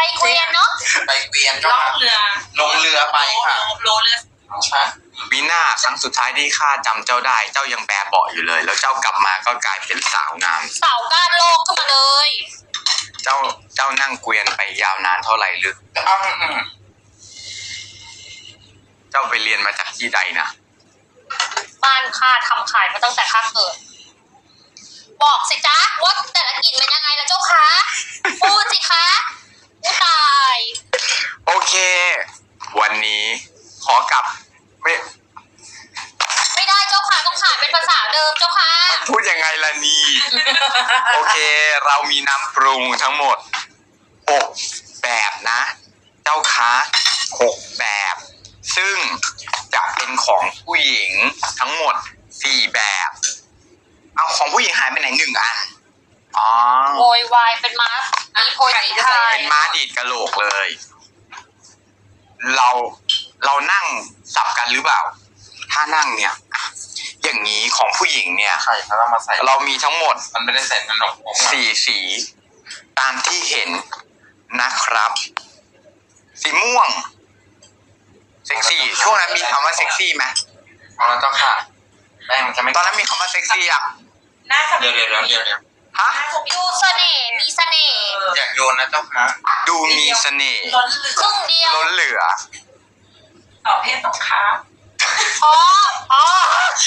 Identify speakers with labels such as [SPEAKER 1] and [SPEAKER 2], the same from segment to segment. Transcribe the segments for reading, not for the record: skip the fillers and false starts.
[SPEAKER 1] เกวียนเนาะ
[SPEAKER 2] ไปเกวียนก็
[SPEAKER 3] ล่องเรือ
[SPEAKER 2] ลงเรือไปค่ะ
[SPEAKER 3] โลเรือ
[SPEAKER 2] ใช่
[SPEAKER 4] วินาครั้งสุดท้ายที่ข้าจำเจ้าได้เจ้ายังแบเบาะอยู่เลย แล้วเจ้ากลับมาก็กลายเป็นสาวงาม
[SPEAKER 1] สาวก้านโลกขึ้นมาเลย
[SPEAKER 4] เจ้านั่งเกวียนไปยาวนานเท่าไหร่หรือ เจ้าไปเรียนมาจากที่ใดนะ
[SPEAKER 1] บ้านข้าทำขายมาตั้งแต่ข้าเกิด บอกสิจ๊ะว่าแต่ละกลิ่นเป็นยังไงล่ะเจ้าคะพูดสิคะผู้ตาย
[SPEAKER 4] โอเค วันนี้ขอกลับ
[SPEAKER 1] ไม่ได้เจ้าค่ะต้องขายเป็นภาษาเดิมเจ้าค่ะ
[SPEAKER 4] มันพูดยังไงล่ะนี่ โอเค เรามีน้ำปรุงทั้งหมด6แบบนะ เจ้าคะ6แบบ ซึ่งจะเป็นของผู้หญิงทั้งหมด4แบบ เอาของผู้หญิงหายไปไหน1อันอ๋อ
[SPEAKER 1] โวยวายเป็นม้ามีโพยตีไทย
[SPEAKER 4] เป็นม้าดีดกะโหลกเลย เรานั่งสับกันหรือเปล่า ถ้านั่งเนี่ย อย่างนี้ของผู้หญิงเนี่ย
[SPEAKER 2] ไข่เขาเรามาใส่
[SPEAKER 4] เรามีทั้งหมด
[SPEAKER 2] มันไม่ได้ใส่ขนมผมอะ
[SPEAKER 4] 4 สี ตามที่เห็นนะครับ สีม่วง เซ็กซี่ ช่วงนั้นมีคำว่าเซ็กซี่ไหม
[SPEAKER 2] เอาแล้วเจ้าค่ะแป้งมันจะไม่
[SPEAKER 4] ตอนนั้นมีคำว่าเซ็กซี่อ่ะ
[SPEAKER 3] น่าจะ
[SPEAKER 2] เดี๋ยว
[SPEAKER 4] ฮะ
[SPEAKER 1] ดูเสน่ห์มีเสน่ห์
[SPEAKER 2] อยากโยนนะเจ้าค่ะ
[SPEAKER 4] ดูมีเสน่ห์
[SPEAKER 3] ล้นเหลื
[SPEAKER 1] ค
[SPEAKER 3] อ
[SPEAKER 1] รึ่งเดียว
[SPEAKER 4] ล้นเหลือ
[SPEAKER 3] ต่อเพศสงคราม
[SPEAKER 1] อ๋ออ๋อ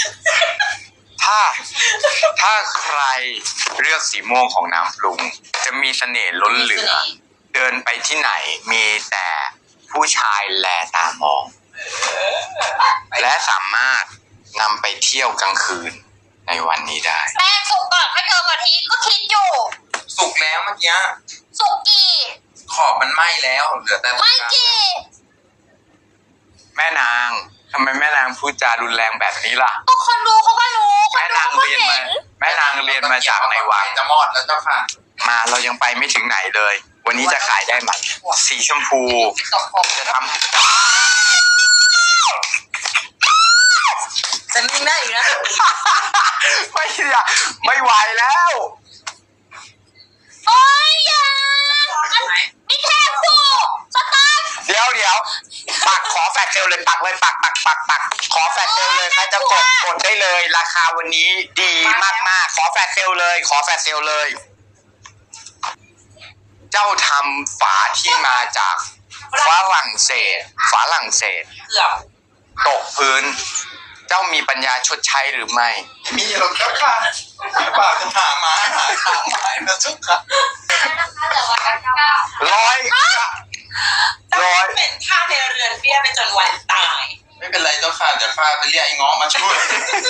[SPEAKER 4] ถ้าใครเลือกสีม่วงของน้ำปรุง จะมีเสน่ห์ล้นเหลือ เดินไปที่ไหนมีแต่ผู้ชายแลตามอง และสามารถนำไปเที่ยวกลางคืนในวันนี้ได้
[SPEAKER 1] แป้งสุกก่อนให้เธอมาทีก็คิดอยู่
[SPEAKER 2] สุกแล้วเมื่อกี้
[SPEAKER 1] สุกกี่
[SPEAKER 2] ขอบมันไหม้แล้วเหลือแต่
[SPEAKER 1] ไม่กี่
[SPEAKER 4] แม่นางทำไมแม่นางพูดจารุนแรงแบบนี้ล่ะ
[SPEAKER 1] ก็คนดูเขาก็รู้คน
[SPEAKER 4] แม่
[SPEAKER 1] ดู
[SPEAKER 4] นาง
[SPEAKER 1] เขาก็
[SPEAKER 4] เรียน
[SPEAKER 1] เห็
[SPEAKER 4] มาน แม่นางเรียนมาจากในวัง
[SPEAKER 2] จะมอดแล้วเจ้าค่ะ
[SPEAKER 4] มาเรายังไปไม่ถึงไหนเลย วันนี้จะขายได้ไหมสีชมพู จะท
[SPEAKER 3] จะนิ่งได้อีกนะ
[SPEAKER 4] ำ ไม่ไหวแล้ว
[SPEAKER 1] โอ้ยอย่านี่แค่ผูสตาร์ท
[SPEAKER 4] เดี๋ยวปักขอแฟลชเซลเลยปักเลยปักขอแฟลชเซลเลยใครจะกดได้เลย ราคาวันนี้ดีมากๆขอแฟลชเซลเลย เจ้าทำฝาที่มาจากฝรั่งเศส
[SPEAKER 3] เกือบ
[SPEAKER 4] ตกพื้น เจ้ามีปัญญาชดใช้หรือไม่
[SPEAKER 2] มีหรอกเจ้าค่ะปากหาไม้นะเจ้าค่ะ
[SPEAKER 4] ร้อย
[SPEAKER 3] เป็นท่าในเรือนเบี้ยไปจนวันตาย
[SPEAKER 2] ไม่เป็นไรเจ้าค่ะเดี๋ยวข้าไปเรียกไอ้ง้อมาช่วย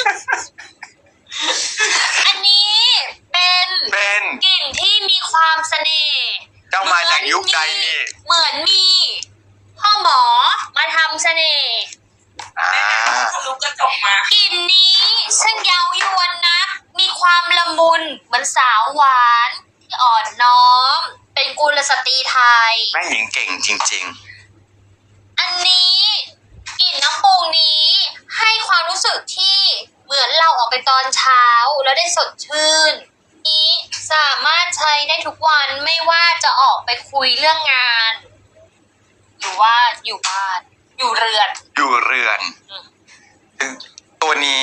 [SPEAKER 1] อันนี้เป็น
[SPEAKER 4] เป็น
[SPEAKER 1] กลิ่นที่มีความเสน่ห์
[SPEAKER 4] เจ้ามาจากยุคใดนี่
[SPEAKER 1] เหมือนมีพ่อหมอมาทำเสน่ห์
[SPEAKER 4] อ่า
[SPEAKER 3] ทะลุกระจกมาก
[SPEAKER 1] ลิ่นนี้ช่างเย้ายวนนักมีความละมุนเหมือนสาวหวานที่อ่อนน้อม เป็นกุลสตรีไทย
[SPEAKER 4] แม่หญิงเก่งจริง
[SPEAKER 1] อันนี้กลิ่นน้ำปรุงนี้ให้ความรู้สึกที่เหมือนเราออกไปตอนเช้าแล้วได้สดชื่น นี้สามารถใช้ได้ทุกวันไม่ว่าจะออกไปคุยเรื่องงาน หรือว่าอยู่บ้านอยู่เรือน
[SPEAKER 4] ๆ อยู่เรือน ตัวนี้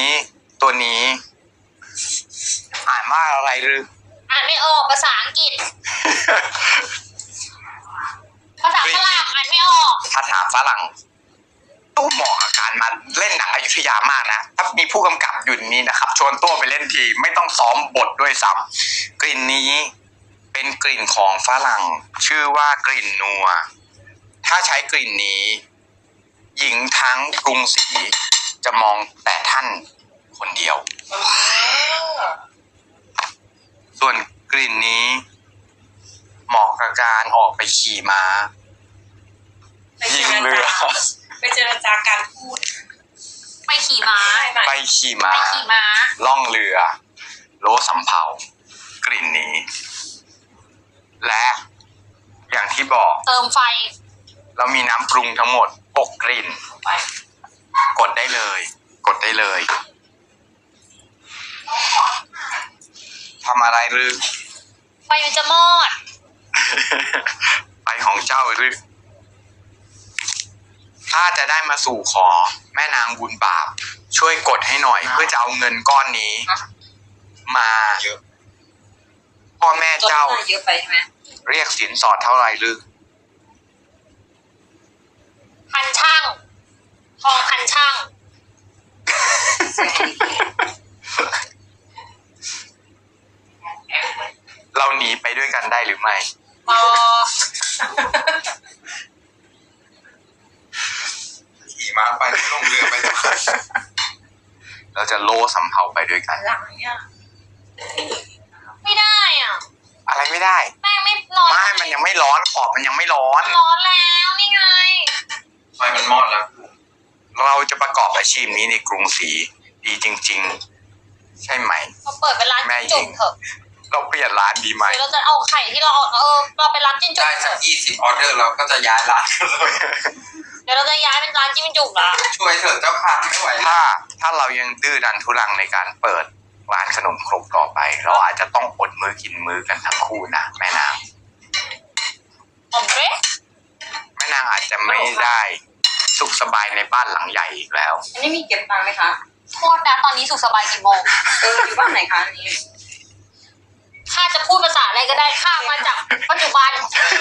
[SPEAKER 4] อ่านว่าอะไรหรือ
[SPEAKER 1] อ่านไม่ออกภาษาอังกฤษ ภาษาฝรั่งอ่านไม่ออก
[SPEAKER 4] ภาษาฝรั่งตู้เหมาะกับการมาเล่นหนังอยุธยามากนะ ถ้ามีผู้กำกับอยู่นี้นะครับ ชวนตัวไปเล่นทีไม่ต้องซ้อมบทด้วยซ้ำกลิ่นนี้เป็นกลิ่นของฝรั่ง ชื่อว่ากลิ่นนัว ถ้าใช้กลิ่นนี้ หญิงทั้งกรุงศรีจะมองแต่ท่านคนเดียว ส่วนกลิ่นนี้ เหมาะกับการออกไปขี่ม้า ยิงเรือ
[SPEAKER 3] ไปเจรจาการพูด
[SPEAKER 1] ไปขี่ม้า
[SPEAKER 4] ไปขี่ม้า
[SPEAKER 1] ไปขี่ม้า
[SPEAKER 4] ล่องเรือ โลสำเภากลิ่นนี้ และอย่างที่บอก
[SPEAKER 1] เติมไฟ
[SPEAKER 4] เรามีน้ำปรุงทั้งหมด6กลิ่น
[SPEAKER 3] ไป
[SPEAKER 4] กดได้เลยทำอะไรหรือ
[SPEAKER 1] ไฟมันจะมอด
[SPEAKER 4] ไปของเจ้าหรือถ้าจะได้มาสู่ขอแม่นางบุญบาปช่วยกดให้หน่อย เพื่อจะเอาเงินก้อนนี้ มา
[SPEAKER 2] เยอะ
[SPEAKER 4] พ่อแม่เจ้า
[SPEAKER 3] เยอะไปใช่ไหม
[SPEAKER 4] เรียกสินสอดเท่าไหร่หรือ
[SPEAKER 1] พันช่างทองพันช่าง
[SPEAKER 4] เราหนีไปด้วยกันได้หรือไม่
[SPEAKER 1] พอ
[SPEAKER 2] ขี่ม้าไปลงเรือไป
[SPEAKER 4] เราจะโลสำเภาไปด้วยกัน
[SPEAKER 3] หลังเนี่ย
[SPEAKER 1] ไม่ได้อ่ะ
[SPEAKER 4] อะไรไม่ได้
[SPEAKER 1] แม่งไม่ร้อน
[SPEAKER 4] ไม่มันยังไม่ร้อนขอบมันยังไม่ร้อน
[SPEAKER 1] ร้อนแล้วนี่ไง
[SPEAKER 2] ไฟมันมอดแล้ว
[SPEAKER 4] เราจะประกอบอาชีพนี้ในกรุงศรีดีจริง ๆ ใช่ไหม
[SPEAKER 1] เราเปิดเป็นร้าน
[SPEAKER 4] แม่หญิ
[SPEAKER 1] จุ่
[SPEAKER 4] ง
[SPEAKER 1] มเถอะ
[SPEAKER 4] เราเปลี่ยนร้านดีไหม
[SPEAKER 1] หรือเราจะเอาไข่ที่เราเราไปร้านจิ้มจุ่
[SPEAKER 2] ได้
[SPEAKER 1] มเถ
[SPEAKER 2] สัก
[SPEAKER 1] อะ
[SPEAKER 2] 20 ออเดอร์เราก็จะย้ายร้านกันเลย
[SPEAKER 1] เดี๋ยวเราจะย้ายเป็นร้านจิ้มจุ่มละ
[SPEAKER 2] ช่วยเถอะเจ้าค่ะไม่ไหวแล้ว
[SPEAKER 4] ถ้าเรายังดื้อดันทุรังในการเปิดร้านขนมครกต่อไป เราอาจจะต้องอดมื้อกินมื้อกันทั้งคู่นะแม่นาง
[SPEAKER 1] ผมเร
[SPEAKER 4] แม่นางอาจจะไม่ได้สุขสบายในบ้านหลังใหญ่อีกแล้ว
[SPEAKER 3] อันนี้มีเก็บตังค์ไหมคะ
[SPEAKER 1] โทษนะตอนนี้สุขสบายกี่โมง
[SPEAKER 3] อยู่บ้านไหนคะอันนี้
[SPEAKER 1] ข้าจะพูดภาษาอะไรก็ได้ข้ามาจากปัจจุบัน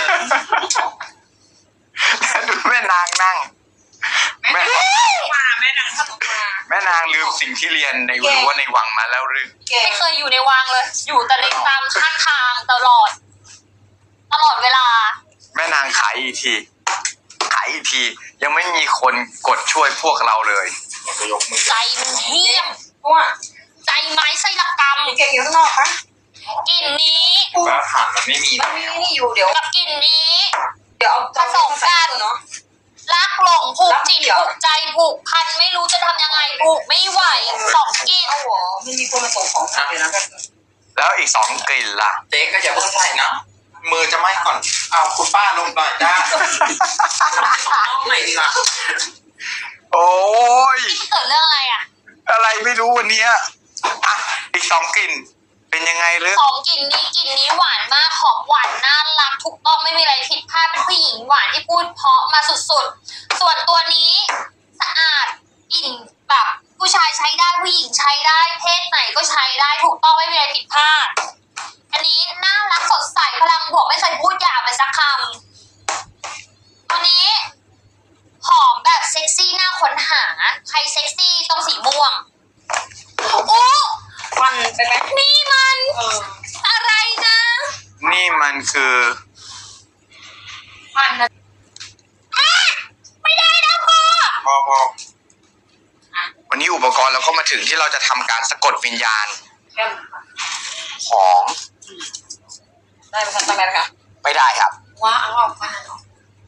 [SPEAKER 4] ดูแม่นางนั่ง แม่
[SPEAKER 3] มาแม่นางขนมมา
[SPEAKER 4] แม่นางลืมสิ่งที่เรียนในรั้วในวังมาแล้วหรือ
[SPEAKER 3] เก่ง
[SPEAKER 1] ไม่เคยอยู่ในวังเลย อยู่แต่ในตามข้างทางตลอดเวลา
[SPEAKER 4] แม่นางขายอีกทีขายอีกที ยังไม่มีคนกดช่วยพวกเราเลย
[SPEAKER 2] จะยกมือ
[SPEAKER 1] ใจมันเหี้ยม
[SPEAKER 3] เพราะว่า
[SPEAKER 1] ใจไม้ไส้ละกรรม
[SPEAKER 3] เก่งอยู่ข้างนอกคะ
[SPEAKER 1] กลิ่นนี้
[SPEAKER 2] ว่าฐานมันไม่มี
[SPEAKER 3] มันมีนี่อยู่เดี๋ยว
[SPEAKER 1] กับกลิ่นนี้
[SPEAKER 3] เดี๋ยวเอา
[SPEAKER 1] ผสมกัน
[SPEAKER 3] เนาะ
[SPEAKER 1] รักหลงผูกจิต
[SPEAKER 3] รักเดี่ยว
[SPEAKER 1] ผูกใจผูกพันไม่รู้จะทำยังไงผูกไม่ไหวสองกลิ่น
[SPEAKER 3] เอาหัวไม่มีคนมาส่งของมาเลยนะ
[SPEAKER 4] แล้วอีกสองกลิ่นล่ะ
[SPEAKER 2] เจ๊ก็อย่าเพิ่งใส่นะมือจะไหม้ก่อนเอาคุณป้าลงหน่อยจ้า
[SPEAKER 3] น้องใหม่ดีกว่า
[SPEAKER 4] โอ้ย
[SPEAKER 1] เกิดเรื่องอะไรอ่ะ
[SPEAKER 4] อะไรไม่รู้วันเนี้ยอ่ะอีกสองกลิ่น เป็นยังไงหรือ
[SPEAKER 1] สองกลิ่นนี้หวานมากหอมหวานน่ารักถูกต้องไม่มีอะไรผิดพลาดเป็นผู้หญิงหวานที่พูดเพราะมาสุดๆ ส่วนตัวนี้สะอาดกลิ่นแบบผู้ชายใช้ได้ผู้หญิงใช้ได้เพศไหนก็ใช้ได้ถูกต้องไม่มีอะไรผิดพลาด อันนี้น่ารักสดใสพลังบวกไม่เคยพูดหยาบเลยสักคำตัวนี้หอมแบบเซ็กซี่น่าค้นหาใครเซ็กซี่ต้องสีม่วงโอ้
[SPEAKER 3] ฟันไปไหม
[SPEAKER 1] นี่มันอะไรนะ
[SPEAKER 4] นี่มันคือ
[SPEAKER 3] ฟันนะ
[SPEAKER 1] ไม่ได้นะพ่อ
[SPEAKER 2] พอ
[SPEAKER 4] วันนี้อุปกรณ์เราก็มาถึงที่เราจะทำการสะกดวิญญาณ
[SPEAKER 3] แก้ม
[SPEAKER 4] ของ
[SPEAKER 3] ได้ไหมคะทำไมคะ
[SPEAKER 4] ไม่ได้ครับ
[SPEAKER 3] ว้าเอาฟันออก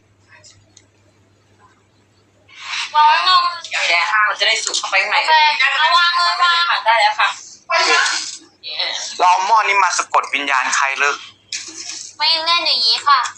[SPEAKER 1] ร้อนงง
[SPEAKER 3] อย่างนี้มันจะได้สุกเข้าไปข้างใน
[SPEAKER 1] โอเคเอาวางเลยวาง
[SPEAKER 3] ได้แล้วค่ะ
[SPEAKER 4] เราเอาหม้อนี้มาสะกดวิญญาณใครหรือ
[SPEAKER 1] ไม่เล่นอย่างนี้ค่ะ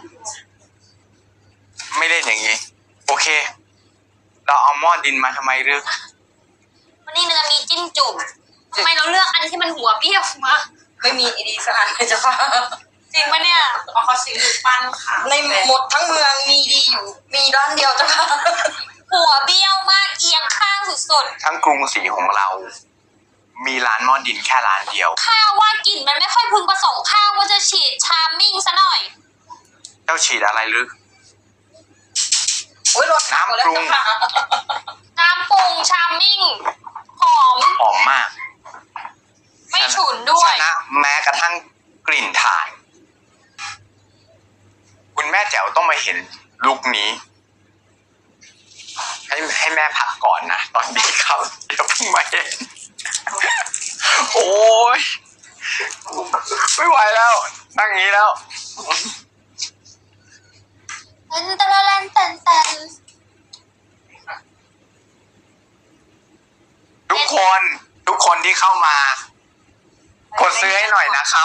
[SPEAKER 4] ไม่เล่นอย่างนี้ โอเค เราเอาหม้อดินมาทำไมหรือ
[SPEAKER 1] วันนี้เรามีจิ้มจุ่มทำไมเราเลือกอันที่มันหัวเปรี้ยวมา
[SPEAKER 3] ไม่มีอีดีสะอาดเลยจ้ะค่ะ
[SPEAKER 1] จริงปะเนี่ย
[SPEAKER 3] เพราะเขาซื้อปั้นค่ะในหมดทั้งเมืองมีดีอยู่ มีร้านเดียวจ้ะค่ะ
[SPEAKER 1] หัวเบี้ยวมากเอียงข้างสุด
[SPEAKER 4] ทั้งกรุงศรีของเรา มีร้านหม้อดินแค่ร้านเดียว
[SPEAKER 1] ๆข้าวว่ากลิ่นมันไม่ค่อยพึงประสงค์ข้าวว่าจะฉีดชาร์มมิ่งซะหน่อย
[SPEAKER 4] เจ้าฉีดอะไรหรือ
[SPEAKER 3] โอ้ยรสน้ำแล้วจ้ะค่ะ
[SPEAKER 1] น้ำปรุงชาร์มมิ่งหอม
[SPEAKER 4] หอมมาก
[SPEAKER 1] ไม่ฉุนด้วย
[SPEAKER 4] ชนะแม้กระทั่งกลิ่นถ่าน คุณแม่แจ๋วต้องมาเห็นลุคนี้ ให้แม่พักก่อนนะ ตอนนี้ครับเดี๋ยวเพิ่งมาเห็น โอ้ยไม่ไหวแล้ว นั่งอย่างนี้แล้ว
[SPEAKER 1] เต้นตะละแลนเต้นเต้น
[SPEAKER 4] ทุกคนที่เข้ามากดซื้อให้หน่อยนะครับ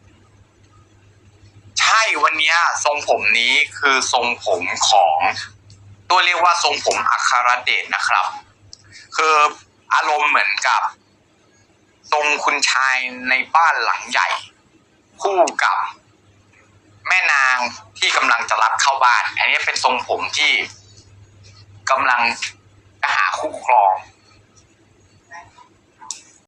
[SPEAKER 4] ใช่วันนี้ทรงผมนี้คือทรงผมของตัวเรียกว่าทรงผมอัครเดชนะครับ คืออารมณ์เหมือนกับ ทรงคุณชายในบ้านหลังใหญ่ คู่กับแม่นางที่กำลังจะรับเข้าบ้าน อันนี้เป็นทรงผมที่กำลังจะหาคู่ครอง